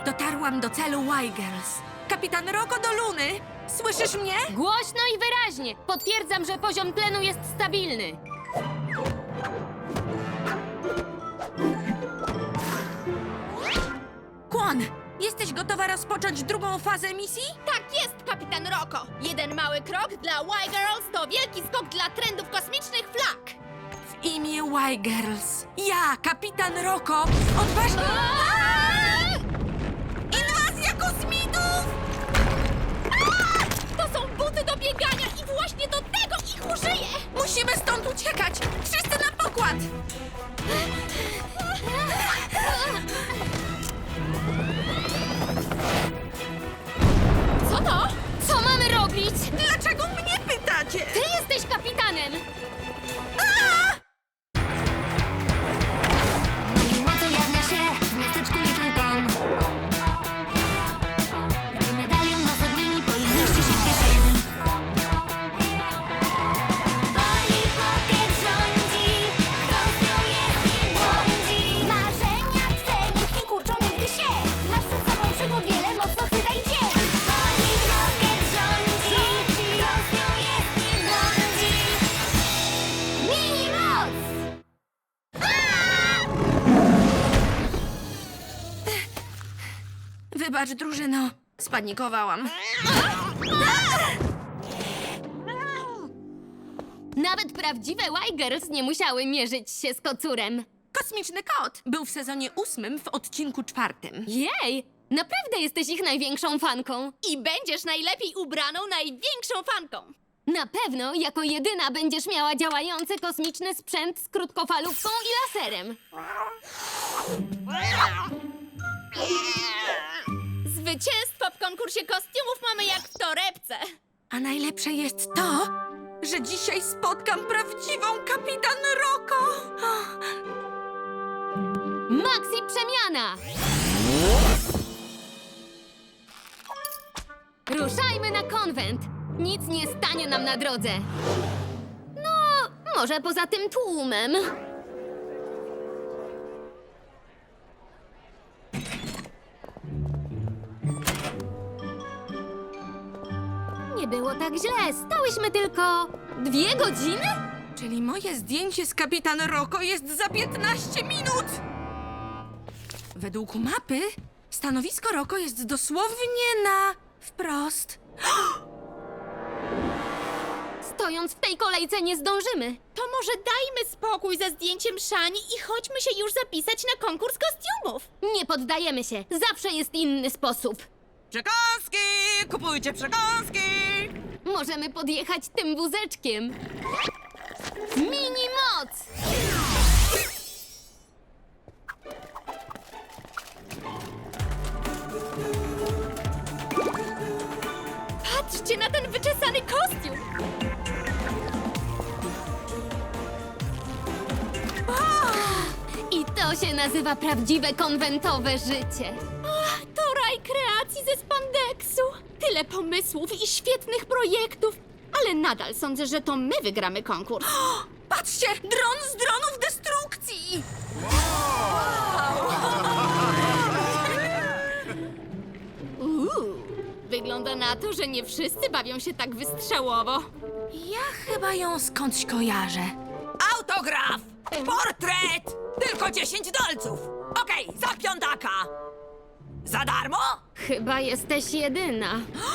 Dotarłam do celu Y-Girls. Kapitan Roko do Luny! Słyszysz mnie? Głośno i wyraźnie. Potwierdzam, że poziom tlenu jest stabilny. Kwon, jesteś gotowa rozpocząć drugą fazę misji? Tak jest, kapitan Roko! Jeden mały krok dla Y-Girls to wielki skok dla trendów kosmicznych flag! W imię Y-Girls. Ja, kapitan Roko, odważnie... Inwazja kosmitów! To są buty do biegania i właśnie do tego ich użyję! Musimy stąd uciekać! Wszyscy na pokład! Co to? Co mamy robić? Dlaczego mnie pytacie? Ty jesteś kapitanem! Moc ujawnia się w miasteczku Little Town. Gdy medalion nas odmieni, powinności się w kieszeni. Polly Pocket rządzi, kto z nią jest i błądzi. Marzenia twe nikt nie kurczą nigdy się. Masz przed sobą przygód wiele, mocno chwytaj cię. Polly Pocket rządzi, kto z nią jest i błądzi. Mini moc! Wybacz, drużyno. Spanikowałam. Nawet prawdziwe Y-Girls nie musiały mierzyć się z kocurem. Kosmiczny kot był w sezonie 8 w odcinku 4. Jej! Naprawdę jesteś ich największą fanką. I będziesz najlepiej ubraną, największą fanką! Na pewno jako jedyna będziesz miała działający kosmiczny sprzęt z krótkofalówką i laserem. Zwycięstwo w konkursie kostiumów mamy jak w torebce! A najlepsze jest to, że dzisiaj spotkam prawdziwą kapitan Roko. Maxi przemiana! Ruszajmy na konwent! Nic nie stanie nam na drodze. No, może poza tym tłumem. Nie było tak źle. Stałyśmy tylko 2 godziny? Czyli moje zdjęcie z kapitan Roko jest za 15 minut. Według mapy stanowisko Roko jest dosłownie na wprost. Stojąc w tej kolejce nie zdążymy. To może dajmy spokój ze zdjęciem Szani i chodźmy się już zapisać na konkurs kostiumów! Nie poddajemy się. Zawsze jest inny sposób. Przekąski! Kupujcie przekąski! Możemy podjechać tym wózeczkiem. Mini moc! Patrzcie na ten wyczesany kostium! I to się nazywa prawdziwe konwentowe życie. To raj kreacji ze spandeksu! Tyle pomysłów i świetnych projektów! Ale nadal sądzę, że to my wygramy konkurs. Patrzcie! Dron z dronów destrukcji! Wygląda na to, że nie wszyscy bawią się tak wystrzałowo. Ja chyba ją skądś kojarzę. Autograf! Portret! Tylko 10 dolców! Okej, za piątaka! Za darmo? Chyba jesteś jedyna.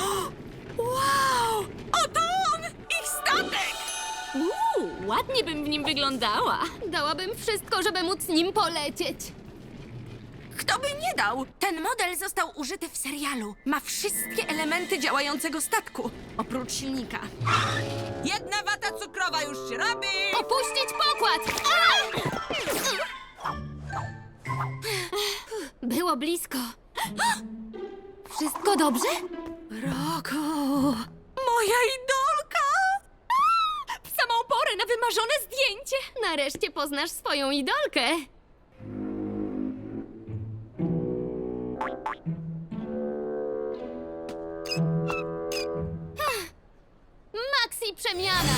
Wow! Oto on! Ich statek! Ładnie bym w nim wyglądała. Dałabym wszystko, żeby móc nim polecieć. Kto by nie dał? Ten model został użyty w serialu. Ma wszystkie elementy działającego statku, oprócz silnika. Jedna wata cukrowa już się robi! Opuścić pokład! Było blisko. Wszystko dobrze? Roko! Moja idolka! W samą porę na wymarzone zdjęcie. Nareszcie poznasz swoją idolkę. Maxi przemiana!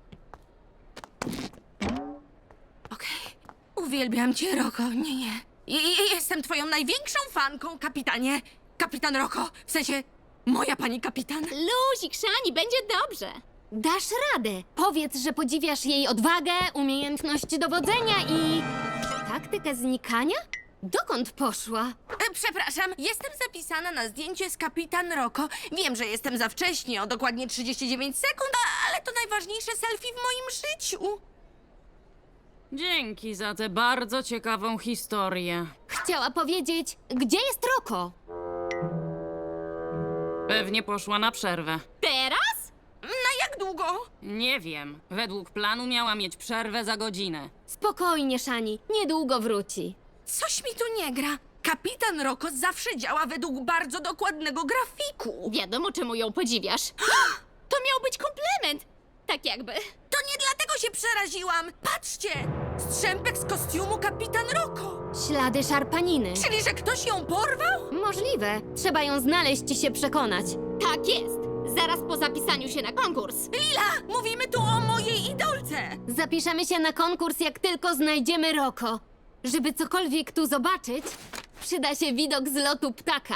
Okej. Uwielbiam cię, Roko. Nie. Jestem twoją największą fanką, kapitanie. Kapitan Roko, w sensie moja pani kapitan. Luzik, Szani, będzie dobrze. Dasz radę. Powiedz, że podziwiasz jej odwagę, umiejętność dowodzenia i... taktykę znikania? Dokąd poszła? Przepraszam, jestem zapisana na zdjęcie z kapitan Roko. Wiem, że jestem za wcześnie, o dokładnie 39 sekund, ale to najważniejsze selfie w moim życiu. Dzięki za tę bardzo ciekawą historię. Chciała powiedzieć, gdzie jest Roko? Pewnie poszła na przerwę. Teraz? Na jak długo? Nie wiem. Według planu miała mieć przerwę za godzinę. Spokojnie, Szani, niedługo wróci. Coś mi tu nie gra. Kapitan Roko zawsze działa według bardzo dokładnego grafiku. Wiadomo, czemu ją podziwiasz. To miał być komplement. Tak jakby. To nie dlatego się przeraziłam. Patrzcie! Strzępek z kostiumu kapitan Roko. Ślady szarpaniny. Czyli, że ktoś ją porwał? Możliwe. Trzeba ją znaleźć i się przekonać. Tak jest. Zaraz po zapisaniu się na konkurs. Lila, mówimy tu o mojej idolce. Zapiszemy się na konkurs, jak tylko znajdziemy Roko. Żeby cokolwiek tu zobaczyć, przyda się widok z lotu ptaka.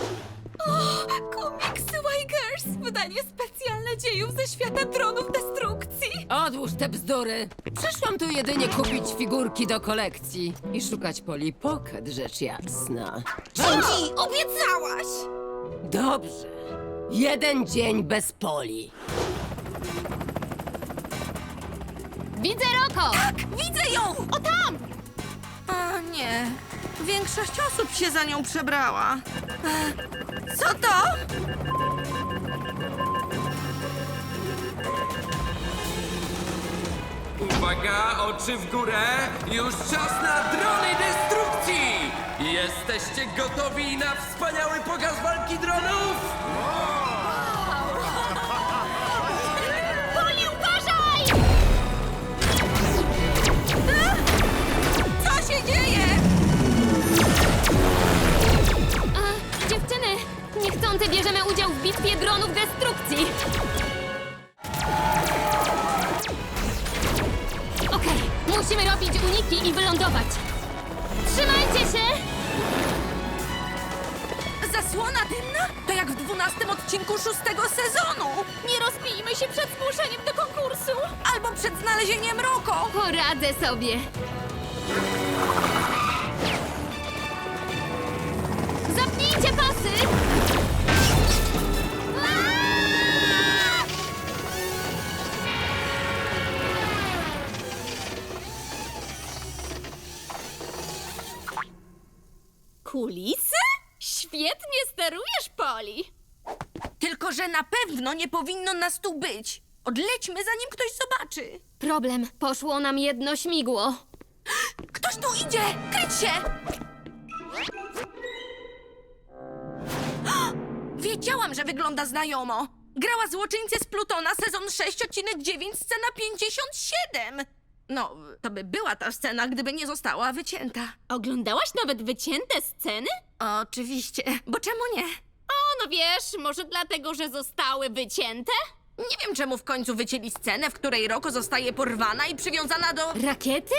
Komiksy Y-Girls. Wydanie specjalne dziejów ze świata dronów destrukcji. Odłóż te bzdury! Przyszłam tu jedynie kupić figurki do kolekcji i szukać Polly Pocket, rzecz jasna. Gigi, obiecałaś. Dobrze. 1 dzień bez Polly. Widzę Roko! Tak, widzę ją. O tam. A nie. Większość osób się za nią przebrała. Co to? Uwaga, oczy w górę! Już czas na drony destrukcji! Jesteście gotowi na wspaniały pokaz walki dronów? Poli, uważaj! Co się dzieje? Dziewczyny, niechcący bierzemy udział w bitwie dronów destrukcji. Okej, musimy robić uniki i wylądować. Trzymajcie się! Zasłona dymna? To jak w 12 odcinku 6 sezonu. Nie rozbijmy się przed zgłoszeniem do konkursu. Albo przed znalezieniem Roko. Poradzę sobie. Zapnijcie pasy! Aaa! Kulisy? Świetnie sterujesz, Poli. Tylko, że na pewno nie powinno nas tu być. Odlećmy, zanim ktoś zobaczy. Problem, poszło nam jedno śmigło. Ktoś tu idzie! Kryć się! Wiedziałam, że wygląda znajomo. Grała złoczyńcę z Plutona, sezon 6, odcinek 9, scena 57. No, to by była ta scena, gdyby nie została wycięta. Oglądałaś nawet wycięte sceny? Oczywiście, bo czemu nie? O, no wiesz, może dlatego, że zostały wycięte? Nie wiem, czemu w końcu wycięli scenę, w której Roko zostaje porwana i przywiązana do... Rakiety?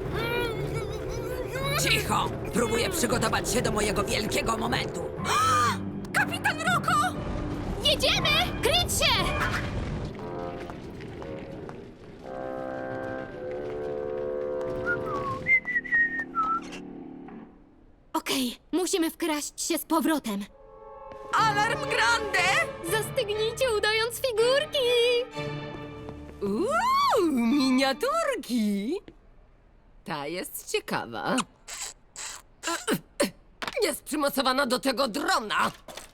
Cicho! Próbuję przygotować się do mojego wielkiego momentu. Kapitan Roko! Jedziemy! Kryć się! Okej, musimy wkraść się z powrotem. Alarm Grande! Zastygnijcie, udając figurki! Miniaturki! Ta jest ciekawa. Jest przymocowana do tego drona!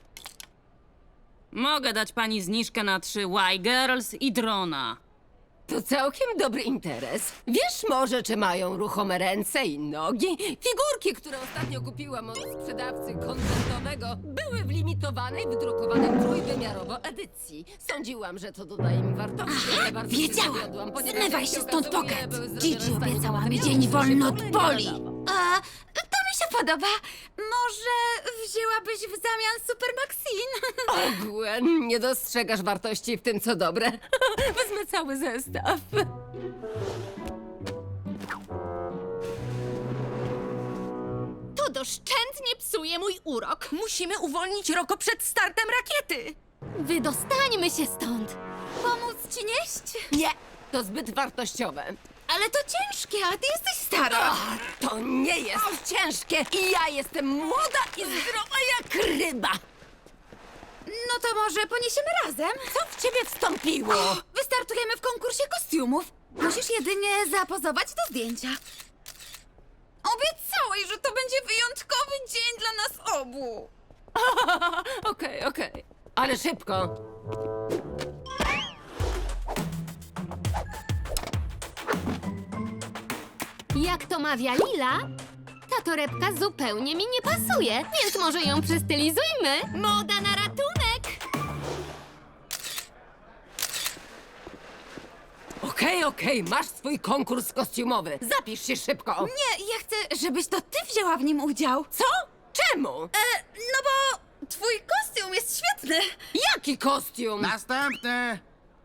Mogę dać pani zniżkę na 3 Y-Girls i drona. To całkiem dobry interes. Wiesz może, czy mają ruchome ręce i nogi? Figurki, które ostatnio kupiłam od sprzedawcy konwentowego, były w limitowanej, wydrukowanej trójwymiarowo edycji. Sądziłam, że to doda im wartości, ale bardzo wiedziałam. się zawiodłam, ponieważ Zmywaj jak się się stąd, okazuje, Pocket. były Gigi zrobione z obiecała mi materiału, dzień który wolny się od w ogóle Poli. nie nadawał. To mi się podoba. Może wzięłabyś w zamian Super Maxine? O, Gwen, nie dostrzegasz wartości w tym, co dobre. Wezmę cały zestaw. doszczętnie psuje mój urok. Musimy uwolnić Roko przed startem rakiety. Wydostańmy się stąd. Pomóc ci nieść? Nie, to zbyt wartościowe. Ale to ciężkie, a ty jesteś stara. To nie jest ciężkie i ja jestem młoda i zdrowa jak ryba. No to może poniesiemy razem? Co w ciebie wstąpiło? Wystartujemy w konkursie kostiumów. Musisz jedynie zapozować do zdjęcia. Obiecałeś, że to będzie wyjątkowy dzień dla nas obu. Okej. Ale szybko. Jak to mawia Lila, ta torebka zupełnie mi nie pasuje, więc może ją przystylizujmy. Moda na ratunek! Okej, masz swój konkurs kostiumowy. Zapisz się szybko. Nie, ja chcę, żebyś to ty wzięła w nim udział. Co? Czemu? No bo twój kostium jest świetny. Jaki kostium? Następny!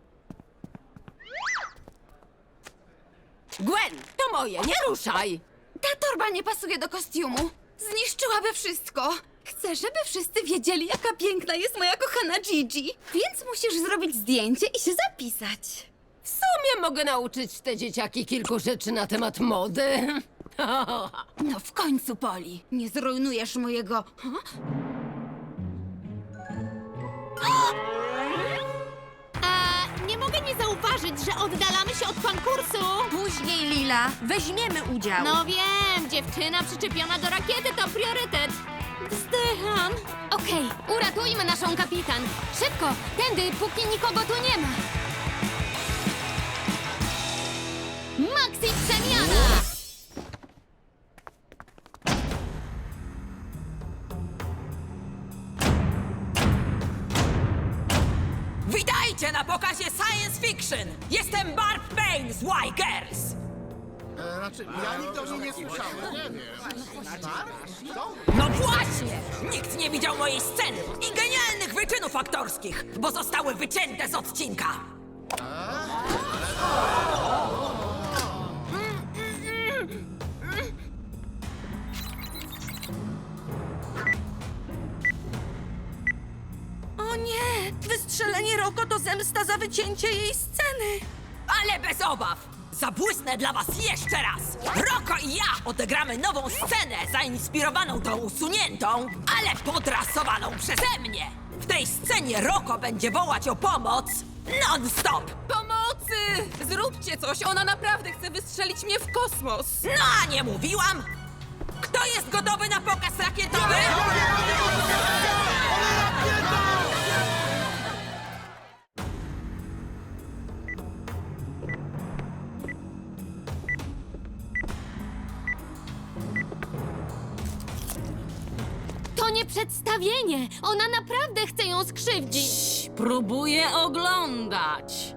Gwen, to moje, nie ruszaj. Ta torba nie pasuje do kostiumu. Zniszczyłaby wszystko. Chcę, żeby wszyscy wiedzieli, jaka piękna jest moja kochana Gigi. Więc musisz zrobić zdjęcie i się zapisać. W sumie mogę nauczyć te dzieciaki kilku rzeczy na temat mody. No w końcu, Poli. Nie zrujnujesz mojego... Nie mogę nie zauważyć, że oddalamy się od konkursu. Później, Lila. Weźmiemy udział. No wiem, dziewczyna przyczepiona do rakiety to priorytet. Wzdycham. Okej, uratujmy naszą kapitan. Szybko, tędy, póki nikogo tu nie ma. Maxi przemiana! Witajcie na pokazie Science Fiction! Jestem Barb Payne z Y-Girls! Ja nigdy o nim nie słyszałem. Nie wiem. No właśnie! Nikt nie widział mojej sceny i genialnych wyczynów aktorskich, bo zostały wycięte z odcinka! O nie! Wystrzelenie Roko to zemsta za wycięcie jej sceny. Ale bez obaw! Zabłysnę dla was jeszcze raz! Roko i ja odegramy nową scenę zainspirowaną tą usuniętą, ale podrasowaną przeze mnie! W tej scenie Roko będzie wołać o pomoc non-stop! Pomocy! Zróbcie coś, ona naprawdę chce wystrzelić mnie w kosmos. No a nie mówiłam? Kto jest gotowy na pokaz rakietowy? To nie przedstawienie! Ona naprawdę chce ją skrzywdzić! Próbuję oglądać.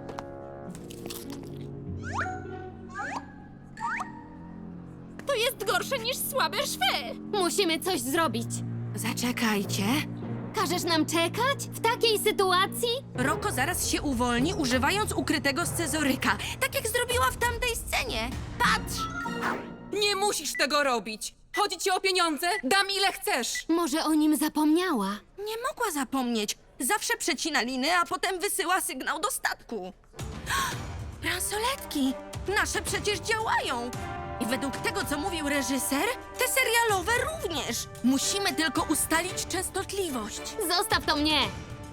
To jest gorsze niż słabe szwy. Musimy coś zrobić. Zaczekajcie. Każesz nam czekać? W takiej sytuacji? Roko zaraz się uwolni, używając ukrytego scyzoryka. Tak jak zrobiła w tamtej scenie. Patrz! Nie musisz tego robić. Chodzi ci o pieniądze? Dam ile chcesz. Może o nim zapomniała? Nie mogła zapomnieć. Zawsze przecina liny, a potem wysyła sygnał do statku. Bransoletki! Nasze przecież działają! I według tego, co mówił reżyser, te serialowe również. Musimy tylko ustalić częstotliwość. Zostaw to mnie!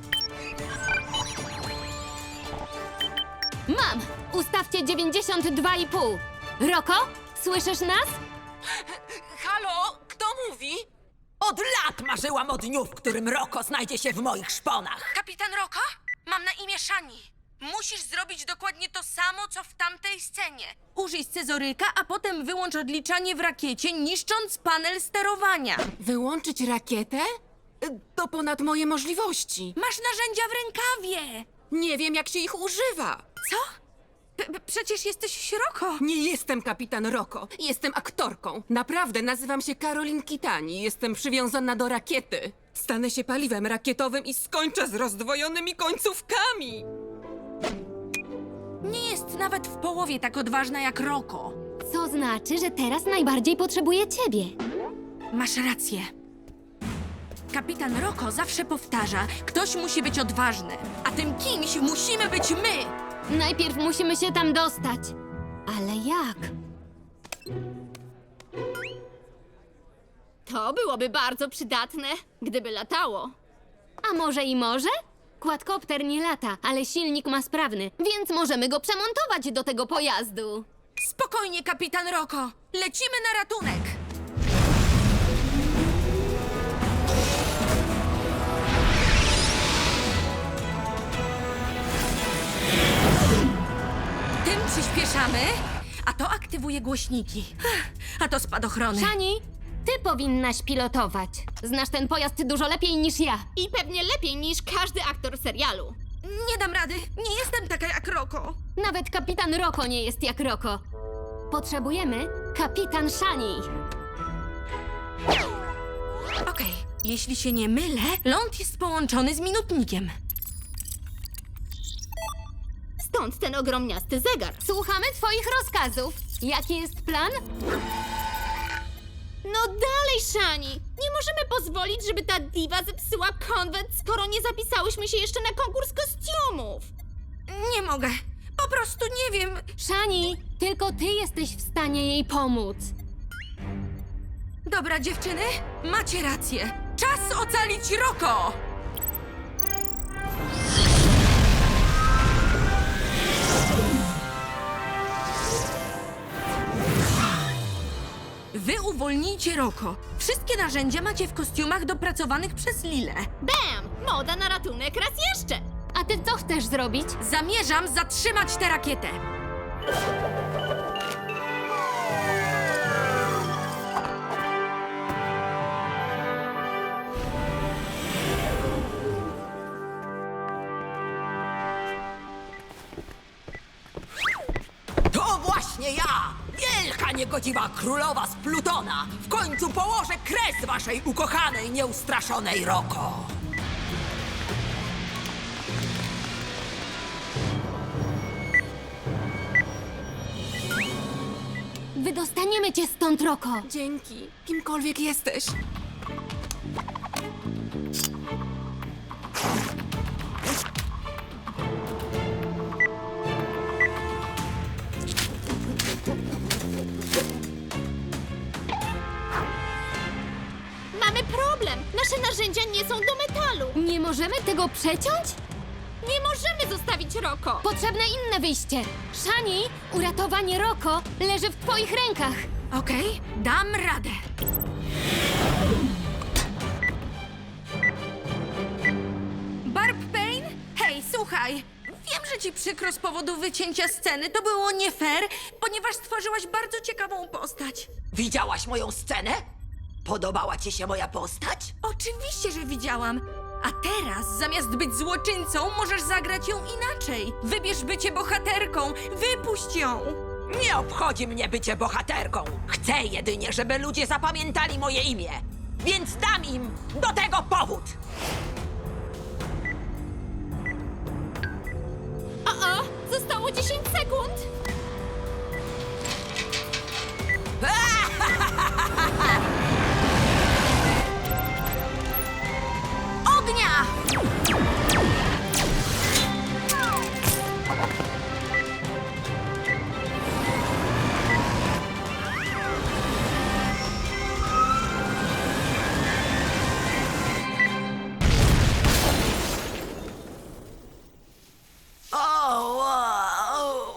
Mam! Ustawcie 92,5. Roko, słyszysz nas? Halo, kto mówi? Od lat marzyłam o dniu, w którym Roko znajdzie się w moich szponach. Kapitan Roko? Mam na imię Shani. Musisz zrobić dokładnie to samo, co w tamtej scenie. Użyj scyzoryka, a potem wyłącz odliczanie w rakiecie, niszcząc panel sterowania. Wyłączyć rakietę? To ponad moje możliwości. Masz narzędzia w rękawie. Nie wiem, jak się ich używa. Co? Przecież jesteś Roko. Nie jestem kapitan Roko. Jestem aktorką. Naprawdę nazywam się Karolin Kitani. Jestem przywiązana do rakiety. Stanę się paliwem rakietowym i skończę z rozdwojonymi końcówkami. Nie jest nawet w połowie tak odważna jak Roko. Co znaczy, że teraz najbardziej potrzebuje ciebie. Masz rację. Kapitan Roko zawsze powtarza, ktoś musi być odważny, a tym kimś musimy być my. Najpierw musimy się tam dostać. Ale jak? To byłoby bardzo przydatne, gdyby latało. A może i może? Quadcopter nie lata, ale silnik ma sprawny, więc możemy go przemontować do tego pojazdu. Spokojnie, kapitan Roko. Lecimy na ratunek. Tym przyspieszamy, a to aktywuje głośniki. A to spadochrony. Shani, ty powinnaś pilotować. Znasz ten pojazd dużo lepiej niż ja. I pewnie lepiej niż każdy aktor serialu. Nie dam rady. Nie jestem taka jak Roko. Nawet kapitan Roko nie jest jak Roko. Potrzebujemy kapitan Shani. Okej, jeśli się nie mylę, ląd jest połączony z minutnikiem. Stąd ten ogromniasty zegar. Słuchamy twoich rozkazów. Jaki jest plan? No dalej, Shani! Nie możemy pozwolić, żeby ta diwa zepsuła konwent, skoro nie zapisałyśmy się jeszcze na konkurs kostiumów. Nie mogę. Po prostu nie wiem. Shani, tylko ty jesteś w stanie jej pomóc. Dobra, dziewczyny, macie rację. Czas ocalić Roko! Wy uwolnijcie Roko. Wszystkie narzędzia macie w kostiumach dopracowanych przez Lilę. Bam! Moda na ratunek raz jeszcze! A ty co chcesz zrobić? Zamierzam zatrzymać tę rakietę. To właśnie ja! Wielka niegodziwa królowa z Plutona! W końcu położę kres waszej ukochanej, nieustraszonej Roko! Wydostaniemy cię stąd, Roko. Dzięki, kimkolwiek jesteś. Mamy problem! Nasze narzędzia nie są do metalu! Nie możemy tego przeciąć? Nie możemy zostawić Roko! Potrzebne inne wyjście. Shani, uratowanie Roko leży w twoich rękach. Okej, dam radę. Barb Payne? Hej, słuchaj. Wiem, że ci przykro z powodu wycięcia sceny. To było nie fair, ponieważ stworzyłaś bardzo ciekawą postać. Widziałaś moją scenę? Podobała ci się moja postać? Oczywiście, że widziałam. A teraz, zamiast być złoczyńcą, możesz zagrać ją inaczej. Wybierz bycie bohaterką. Wypuść ją. Nie obchodzi mnie bycie bohaterką. Chcę jedynie, żeby ludzie zapamiętali moje imię. Więc dam im do tego powód. O, zostało 10 sekund! Ognia! O, wow.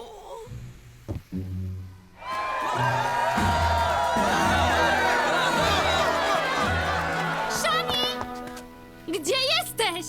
Shani! Gdzie jesteś?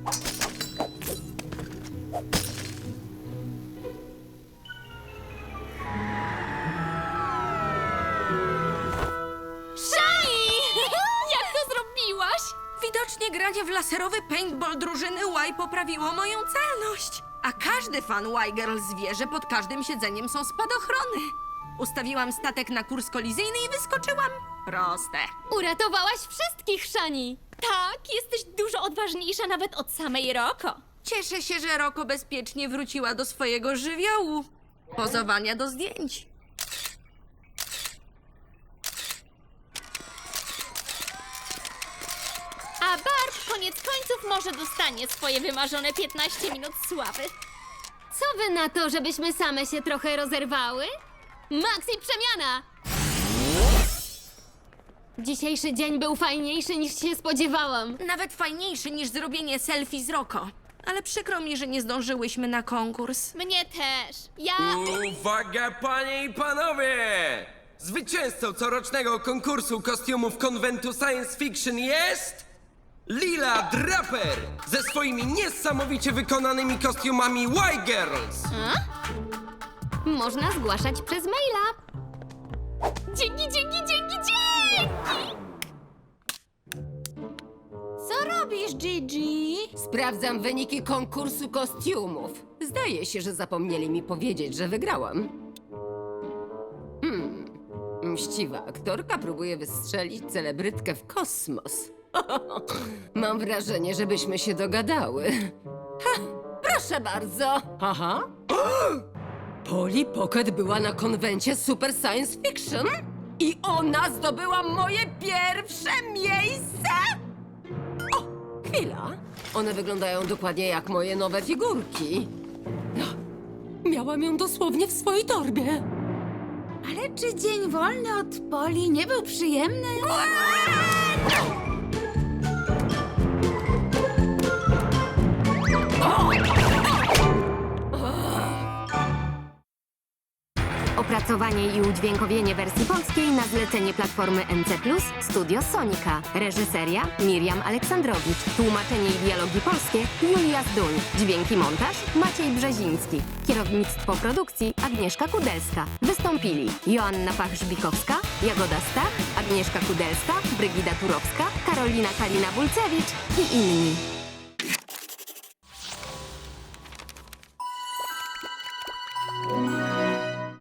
Shani! Jak to zrobiłaś? Widocznie granie w laserowy paintball drużyny Y poprawiło moją celność. A każdy fan Y-Girls wie, że pod każdym siedzeniem są spadochrony. Ustawiłam statek na kurs kolizyjny i wyskoczyłam. Proste. Uratowałaś wszystkich, Shani. Tak, jesteś dużo odważniejsza nawet od samej Roko. Cieszę się, że Roko bezpiecznie wróciła do swojego żywiołu. Pozowania do zdjęć. koniec końców może dostanie swoje wymarzone 15 minut sławy. Co wy na to, żebyśmy same się trochę rozerwały? Maxi przemiana! Dzisiejszy dzień był fajniejszy niż się spodziewałam. Nawet fajniejszy niż zrobienie selfie z Roko. Ale przykro mi, że nie zdążyłyśmy na konkurs. Mnie też. Ja... Uwaga, panie i panowie! Zwycięzcą corocznego konkursu kostiumów konwentu Science Fiction jest... Lila Draper! Ze swoimi niesamowicie wykonanymi kostiumami Y-Girls! Można zgłaszać przez maila. Dzięki! Co robisz, Gigi? Sprawdzam wyniki konkursu kostiumów. Zdaje się, że zapomnieli mi powiedzieć, że wygrałam. Mściwa aktorka próbuje wystrzelić celebrytkę w kosmos. Mam wrażenie, żebyśmy się dogadały. Ha, proszę bardzo. Aha. Polly Pocket była na konwencie Super Science Fiction i ona zdobyła moje pierwsze miejsce. O, chwila. One wyglądają dokładnie jak moje nowe figurki. Miałam ją dosłownie w swojej torbie. Ale czy dzień wolny od Poli nie był przyjemny? Opracowanie i udźwiękowienie wersji polskiej na zlecenie platformy NC+, Studio Sonika. Reżyseria Miriam Aleksandrowicz. Tłumaczenie i dialogi polskie Julia Zduń. Dźwięki montaż Maciej Brzeziński. Kierownictwo produkcji Agnieszka Kudelska. Wystąpili Joanna Pach-Żbikowska, Jagoda Stach, Agnieszka Kudelska, Brygida Turowska, Karolina Kalina-Bulcewicz i inni.